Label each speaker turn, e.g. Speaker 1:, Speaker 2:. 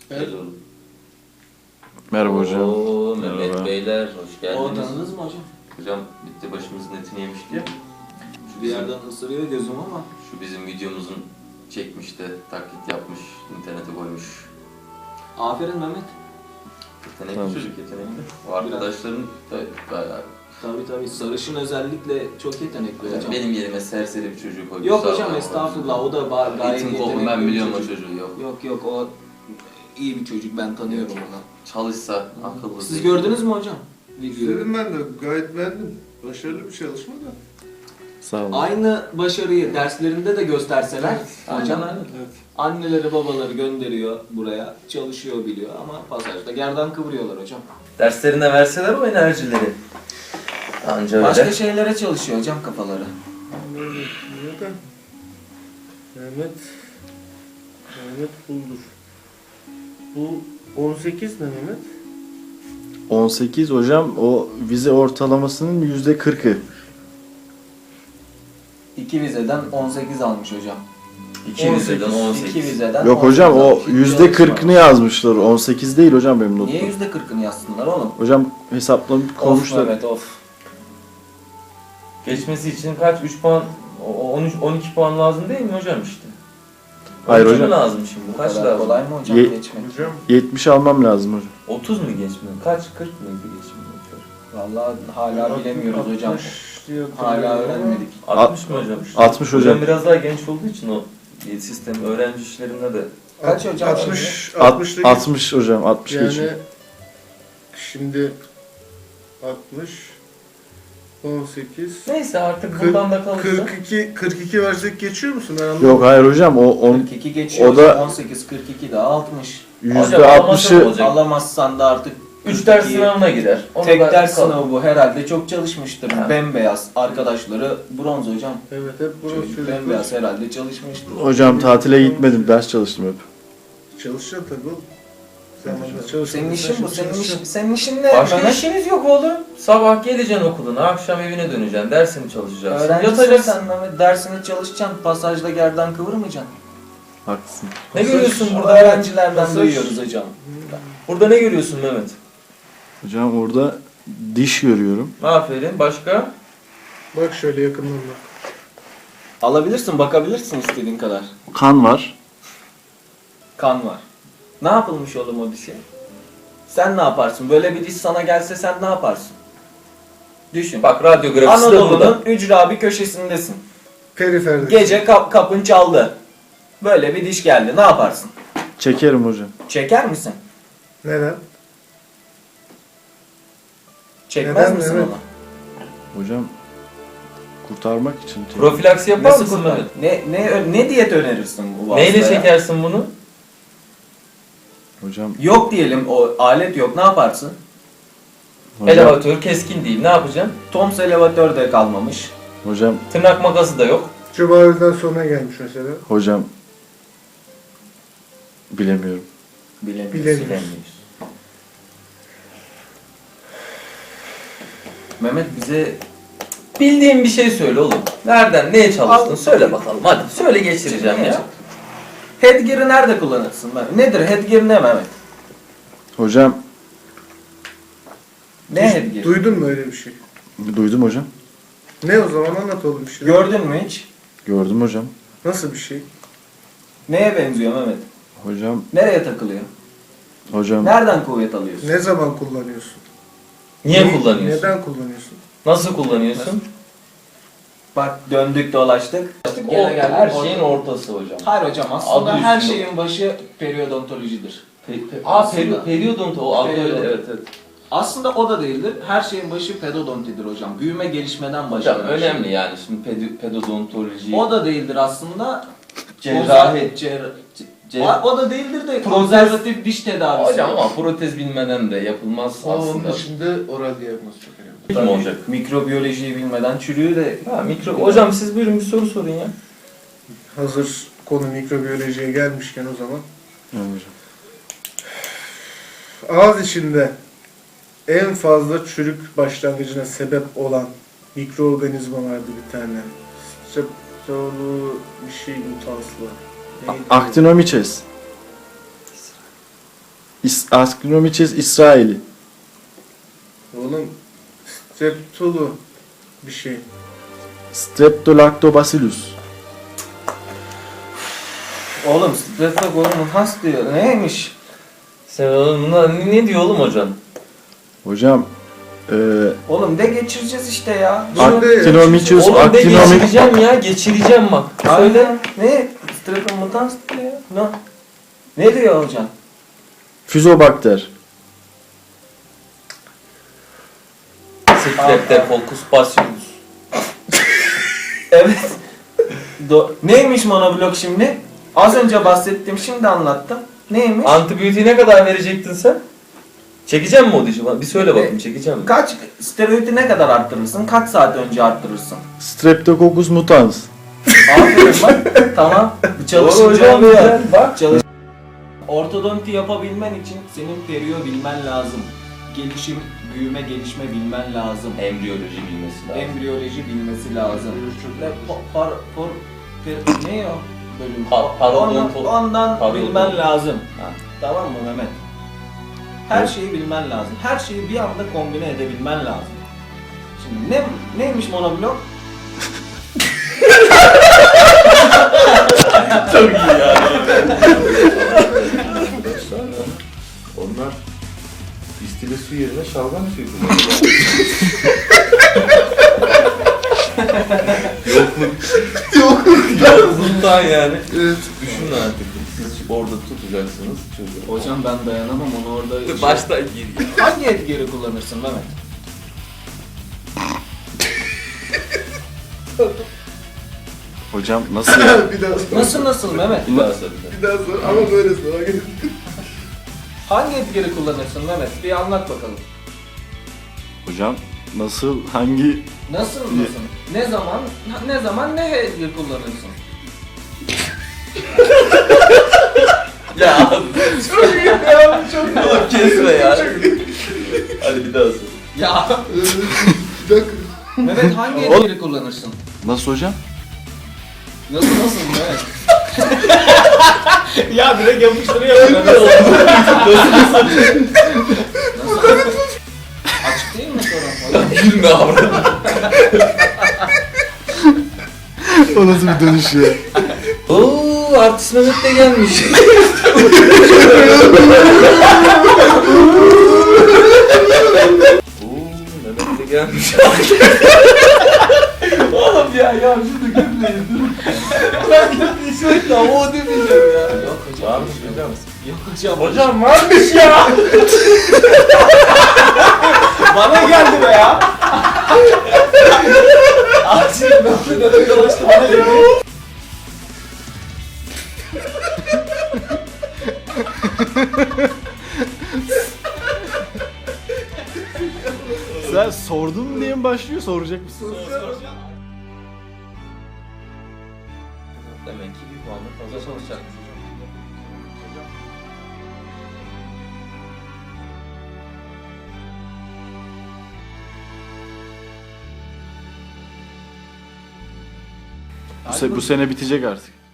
Speaker 1: Evet.
Speaker 2: Merhaba hocam.
Speaker 1: Oo, Mehmet
Speaker 2: Merhaba.
Speaker 1: Beyler hoş geldiniz.
Speaker 3: O tanıdınız mı hocam?
Speaker 1: Hocam bitti başımızın etini yemişti ya.
Speaker 3: Bir yerden ısırıyor gözüm ama.
Speaker 1: Şu bizim videomuzun çekmiş de taklit yapmış, internete koymuş.
Speaker 3: Aferin Mehmet.
Speaker 1: Yetenekli
Speaker 2: Tamam.
Speaker 1: çocuk yetenekli. O arkadaşların da bayağı...
Speaker 3: Tabii sarışın özellikle çok yetenekli hocam.
Speaker 1: Benim yerime serseri bir çocuk koymuş.
Speaker 3: Yok
Speaker 1: Sağ
Speaker 3: hocam
Speaker 1: olun.
Speaker 3: estağfurullah o da gayet
Speaker 1: Eğitim
Speaker 3: yetenekli.
Speaker 1: kopum ben
Speaker 3: bir
Speaker 1: biliyorum o
Speaker 3: çocuk.
Speaker 1: çocuğu yok.
Speaker 3: Yok o iyi bir çocuk ben tanıyorum onu.
Speaker 1: Çalışsa akıllı.
Speaker 3: Siz gördünüz mü hocam? Videoyu.
Speaker 4: İzledim ben de gayet beğendim. Başarılı bir çalışma da.
Speaker 2: Sağ olun.
Speaker 3: Aynı başarıyı derslerinde de gösterseler hocam
Speaker 1: Aynen.
Speaker 4: Evet.
Speaker 3: anneleri babaları gönderiyor buraya çalışıyor biliyor ama pasajda gerdan kıvırıyorlar hocam.
Speaker 1: Derslerine verseler o enerjileri. Anca
Speaker 3: Başka
Speaker 1: öyle.
Speaker 3: şeylere çalışıyor hocam kafaları.
Speaker 4: Neden? Mehmet Buldur. Bu 18 ne Mehmet?
Speaker 2: 18 hocam o vize ortalamasının %40'ı.
Speaker 3: 2 vizeden 18 almış hocam.
Speaker 1: 2 vizeden 18.
Speaker 3: 2 vizeden
Speaker 2: Yok hocam o
Speaker 3: 18
Speaker 2: %40'ını yazmışlar. 18 değil hocam benim notum.
Speaker 3: Niye %40'ını yazsınlar oğlum?
Speaker 2: Hocam hesaplamış
Speaker 3: Of
Speaker 2: koymuşlar.
Speaker 3: Mehmet of.
Speaker 5: Geçmesi için kaç? 3 puan, 13, 12 puan lazım değil mi hocam işte?
Speaker 2: Hayır
Speaker 5: 12
Speaker 2: hocam.
Speaker 5: mi lazım şimdi?
Speaker 3: Bu
Speaker 5: Kaç
Speaker 3: kadar
Speaker 5: lazım?
Speaker 3: kolay mı hocam
Speaker 2: Ye-
Speaker 3: geçmek?
Speaker 4: Hocam
Speaker 2: 70 almam lazım hocam.
Speaker 5: 30 mu geçmiyor? Kaç? 40 mıydı geçmiyor?
Speaker 3: Vallahi hala bilemiyoruz hocam.
Speaker 4: 60 diyor.
Speaker 3: Hala öğrenmedik.
Speaker 5: 60 mı hocam?
Speaker 2: 60 hocam.
Speaker 5: Biraz daha genç olduğu için o sistem öğrenci işlerinde de.
Speaker 3: Kaç hocam
Speaker 4: 60
Speaker 2: At-
Speaker 4: 60
Speaker 2: 60 hocam 60
Speaker 4: yani
Speaker 2: geçiyor.
Speaker 4: şimdi 60 18
Speaker 5: Neyse artık buradan da kalırsa.
Speaker 4: 42 versek geçiyor musun? Ben anlamadım.
Speaker 2: Yok hayır hocam o
Speaker 3: 42 geçiyor.
Speaker 2: o da-
Speaker 3: 18 42 daha 60.
Speaker 5: Hocam, alamazsan
Speaker 2: %60'ı
Speaker 5: olacak.
Speaker 3: Alamazsan da artık
Speaker 5: 3 ders
Speaker 3: 42'yi
Speaker 5: sınavına girer. Onu
Speaker 3: Tek
Speaker 5: da
Speaker 3: ders
Speaker 5: kal-
Speaker 3: sınavı bu herhalde çok çalışmıştır.
Speaker 5: Ha.
Speaker 3: Bembeyaz arkadaşları bronz hocam.
Speaker 4: Evet hep burası
Speaker 3: Çocuk
Speaker 4: çocuklar.
Speaker 3: bembeyaz herhalde çalışmıştır.
Speaker 2: hocam tatile gitmedim ders çalıştım hep.
Speaker 4: Çalışacaksın tabii oğlum. Zamanında çalışacaksın.
Speaker 3: Senin işin bu.
Speaker 4: Çalışacaksın.
Speaker 3: Senin işin ne?
Speaker 5: Başka
Speaker 3: Mehmet?
Speaker 5: işiniz yok oğlum. Sabah geleceksin okuluna, akşam evine döneceksin, dersini çalışacaksın,
Speaker 3: Öğrencisin
Speaker 5: yatacaksın.
Speaker 3: sen Mehmet. Dersini çalışacaksın. Pasajda gerdan kıvırmayacaksın.
Speaker 2: Haklısın.
Speaker 5: Ne görüyorsun burada?
Speaker 3: Öğrencilerden
Speaker 4: Pasaj-
Speaker 3: duyuyoruz hocam.
Speaker 5: Burada ne görüyorsun Mehmet?
Speaker 2: Hocam orada diş görüyorum.
Speaker 5: Aferin. Başka?
Speaker 4: Bak şöyle yakından bak.
Speaker 3: Alabilirsin, bakabilirsin istediğin kadar.
Speaker 2: Kan var.
Speaker 3: Kan var. Ne yapılmış oğlum o dişe? Sen ne yaparsın? Böyle bir diş sana gelse sen ne yaparsın? Düşün.
Speaker 5: Bak radyografisi de burada.
Speaker 3: Anadolu'nun ücra bir köşesindesin.
Speaker 4: Periferde.
Speaker 3: Gece kapın çaldı. Böyle bir diş geldi. Ne yaparsın?
Speaker 2: Çekerim hocam.
Speaker 3: Çeker misin?
Speaker 4: Neden?
Speaker 3: Çekmez
Speaker 4: Neden,
Speaker 3: misin
Speaker 4: evet.
Speaker 3: onu?
Speaker 2: Hocam kurtarmak için.
Speaker 5: Profilaksi yapar
Speaker 3: Nasıl
Speaker 5: mısın
Speaker 3: kurtar?
Speaker 5: Mehmet?
Speaker 3: Ne diyet önerirsin bu
Speaker 5: Neyle
Speaker 3: hastaya?
Speaker 5: çekersin bunu?
Speaker 2: Hocam
Speaker 3: Yok diyelim o alet yok. Ne yaparsın?
Speaker 5: Elevatör keskin değil. Ne yapacaksın?
Speaker 3: Toms elevatör de kalmamış.
Speaker 2: hocam
Speaker 5: Tırnak makası da yok.
Speaker 4: Cumali'den sonra gelmiş mesela.
Speaker 2: hocam bilemiyorum.
Speaker 3: Bilemiyorum.
Speaker 5: Bilemiyorsun.
Speaker 3: Mehmet bize
Speaker 5: Bildiğin bir şey söyle oğlum. Nereden, neye çalıştın?
Speaker 3: Al.
Speaker 5: Söyle bakalım. Hadi söyle geçireceğim ya.
Speaker 3: headgear'ı nerede kullanırsın Mehmet? Nedir headgear ne Mehmet?
Speaker 2: Hocam
Speaker 3: Ne headgear?
Speaker 4: Duydun mu öyle bir şey?
Speaker 2: duydum hocam.
Speaker 4: Ne o zaman anlat oğlum bir şey.
Speaker 3: Gördün mü hiç?
Speaker 2: Gördüm hocam.
Speaker 4: Nasıl bir şey?
Speaker 3: Neye benziyor Mehmet?
Speaker 2: Hocam
Speaker 3: Nereye takılıyor?
Speaker 2: hocam
Speaker 3: Nereden kuvvet alıyorsun?
Speaker 4: Ne zaman kullanıyorsun?
Speaker 5: Niye kullanıyorsun?
Speaker 4: Neden kullanıyorsun?
Speaker 5: Nasıl kullanıyorsun?
Speaker 3: Bak döndük dolaştık. Gene geldik.
Speaker 5: her şeyin ortası hocam.
Speaker 3: Hayır hocam aslında
Speaker 5: Adı
Speaker 3: her
Speaker 5: üstünde.
Speaker 3: şeyin başı periyodontolojidir.
Speaker 5: Aslında. Periyodontu o adı öyle.
Speaker 3: Periyodont.
Speaker 5: Evet.
Speaker 3: Aslında o da değildir. Her şeyin başı pedodontidir hocam. Büyüme gelişmeden başlar.
Speaker 5: Hocam önemli yani şimdi pedodontoloji.
Speaker 3: O da değildir aslında.
Speaker 5: Cerrahi.
Speaker 3: O da değildir de
Speaker 5: Protez-
Speaker 3: konservatif diş tedavisi.
Speaker 5: Hocam ama protez bilmeden de yapılmaz
Speaker 4: Onun
Speaker 5: aslında.
Speaker 4: dışında oral diyagnoz çok önemli.
Speaker 5: Kim olacak?
Speaker 3: Mikrobiyolojiyi bilmeden çürüğü de...
Speaker 5: Hocam siz buyurun bir soru sorun ya.
Speaker 4: Hazır konu mikrobiyolojiye gelmişken o zaman.
Speaker 2: evet hocam.
Speaker 4: Ağız içinde en fazla çürük başlangıcına sebep olan mikroorganizma vardı bir tane. Streptolu bir şey mutanslı. Neydi?
Speaker 2: Actinomyces. Astronomiches israeli.
Speaker 4: Oğlum streptolu bir şey.
Speaker 2: Streptolactobacillus.
Speaker 3: Oğlum Streptococcus diyor. Neymiş?
Speaker 5: Sen oğlum ne diyor oğlum hocam?
Speaker 2: Hocam
Speaker 3: Oğlum de geçireceğiz işte ya.
Speaker 2: Actinomyces
Speaker 5: Oğlum de
Speaker 2: actinomyces
Speaker 5: geçireceğim ya, geçireceğim bak.
Speaker 3: Söyle. Ne? Streptococcus diyor. Ne diyor hocam?
Speaker 2: Fusobacter.
Speaker 5: Streptococcus bacillus.
Speaker 3: Evet. Neymiş monoblok şimdi? Az önce bahsettim, şimdi anlattım. Neymiş?
Speaker 5: Antibiyotiği ne kadar verecektin sen? Çekeceğim mi o dişi? Bir söyle bakayım, çekeceğim mi?
Speaker 3: Kaç steroidi ne kadar arttırırsın? Kaç saat önce arttırırsın?
Speaker 2: Streptococcus mutans.
Speaker 3: Aferin bak. Tamam. Çalışınca
Speaker 5: hocam
Speaker 3: oluyor.
Speaker 5: ya.
Speaker 3: Bak çalış. Ortodonti yapabilmen için senin periyo bilmen lazım. Gelişim, büyüme, gelişme bilmen lazım.
Speaker 5: Embriyoloji bilmesi lazım.
Speaker 3: Embriyoloji bilmesi lazım. Ne o bölüm? Ondan
Speaker 5: parodonto-
Speaker 3: bilmen lazım.
Speaker 5: Ha.
Speaker 3: Tamam mı Mehmet? Her
Speaker 2: Evet.
Speaker 3: şeyi bilmen lazım. Her şeyi bir anda kombine edebilmen lazım. Şimdi neymiş monoblok?
Speaker 5: Çok iyi ya.
Speaker 6: Onlar distile su yerine şalgam suyu
Speaker 5: Bundan yani. Düşünün artık. Siz orada tutacaksınız çocuğu.
Speaker 3: Hocam ben dayanamam onu orada.
Speaker 5: Baştan gir.
Speaker 3: Hangi etkili kullanırsın Mehmet?
Speaker 2: Hocam nasıl ya?
Speaker 4: Bir daha sor.
Speaker 3: Nasıl Mehmet?
Speaker 5: Bir daha söyle.
Speaker 4: Bir daha sor ama böyle sor.
Speaker 3: Hangi etkili kullanırsın Mehmet? Bir anlat bakalım.
Speaker 2: Hocam nasıl hangi
Speaker 3: Nasıl? Ne zaman ne etkili kullanırsın?
Speaker 5: Ya çok oğlum kesme ya. Hadi bir daha söyle.
Speaker 3: Ya
Speaker 4: Bir dakika.
Speaker 3: Mehmet hangi etkili kullanırsın?
Speaker 2: nasıl hocam?
Speaker 3: Nasıl Mehmet? Ya direkt yapıştırıyor. Nasıl? Açık değil mi sorun?
Speaker 5: Gülme avradım.
Speaker 2: O nasıl bir dönüş ya?
Speaker 5: Oo, artist Mehmet de gelmiş. Oo, Mehmet de gelmiş. Oğlum ya şunu gülmeyin. Ben gülmeyi sürekli ama o demeyeceğim ya.
Speaker 3: Yok hocam.
Speaker 5: Varmış hocam.
Speaker 3: Yok hocam.
Speaker 5: Hocam varmış ya.
Speaker 3: Bana geldi be ya. Acil ben de dolaştı bana geldi.
Speaker 2: Sen sordun diye mi başlıyor, soracak mısın?
Speaker 5: Demek ki bir puanla fazla çalışacakmış hocam.
Speaker 2: Bu sene bitecek artık.